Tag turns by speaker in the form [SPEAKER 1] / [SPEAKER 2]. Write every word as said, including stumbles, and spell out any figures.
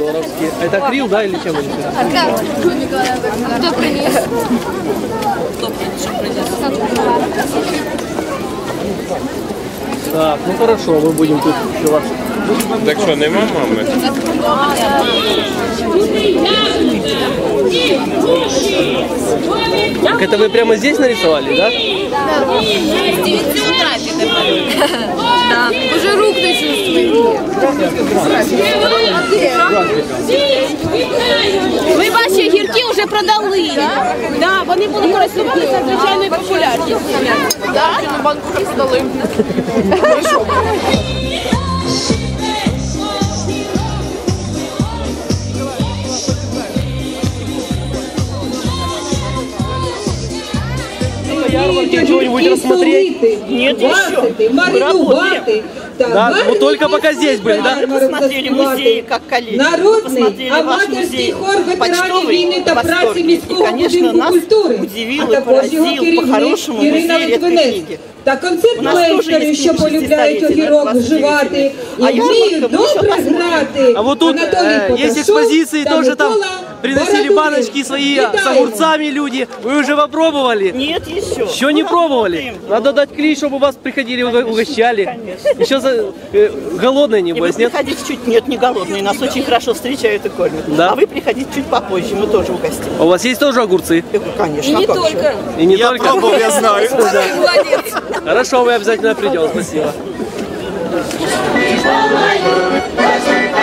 [SPEAKER 1] помидоровские. Это крил, да, или чем они?
[SPEAKER 2] А как? Кто принес?
[SPEAKER 1] Так, ну хорошо, мы будем тут еще вас.
[SPEAKER 3] Так что, нема мами?
[SPEAKER 1] Так, это вы прямо здесь нарисовали, да?
[SPEAKER 2] Да. С девяти утра. Да. Уже рук не чувствую.
[SPEAKER 4] Ви ваші гірки вже продали. Да, вони були користувалися звичайною популярністю.
[SPEAKER 2] Да? Банку роздали.
[SPEAKER 1] Чего-нибудь рассмотреть?
[SPEAKER 5] Нет, еще.
[SPEAKER 6] Маринувати.
[SPEAKER 1] Да, ну только пока здесь были, да?
[SPEAKER 5] Посмотрели музеи, как коллеги.
[SPEAKER 6] Народний аматорський хор ветеранів війни та праці міського будинку культури, а також його керівник Ірина Литвинець. Та концертмейстери, що полюбляють огірок вживати і вміють добре грати.
[SPEAKER 1] А вот тут э, есть экспозиции, тоже там приносили баночки свои с огурцами люди. Вы уже попробовали?
[SPEAKER 5] Нет, еще.
[SPEAKER 1] Еще не пробовали? Надо дать клей, чтобы вас приходили, угощали.
[SPEAKER 5] Конечно.
[SPEAKER 1] Еще за, э, голодные,
[SPEAKER 5] И вы
[SPEAKER 1] небось, нет?
[SPEAKER 5] приходите чуть, нет, не голодные, нас очень хорошо встречают и кормят.
[SPEAKER 1] Да?
[SPEAKER 5] А вы приходите чуть попозже, мы тоже угостим.
[SPEAKER 1] У вас есть тоже огурцы?
[SPEAKER 5] Конечно.
[SPEAKER 2] И не
[SPEAKER 5] а как
[SPEAKER 2] только.
[SPEAKER 5] же?
[SPEAKER 1] И не только?
[SPEAKER 3] Пробовал, я знаю.
[SPEAKER 2] Молодец.
[SPEAKER 1] Хорошо, мы обязательно придем, спасибо.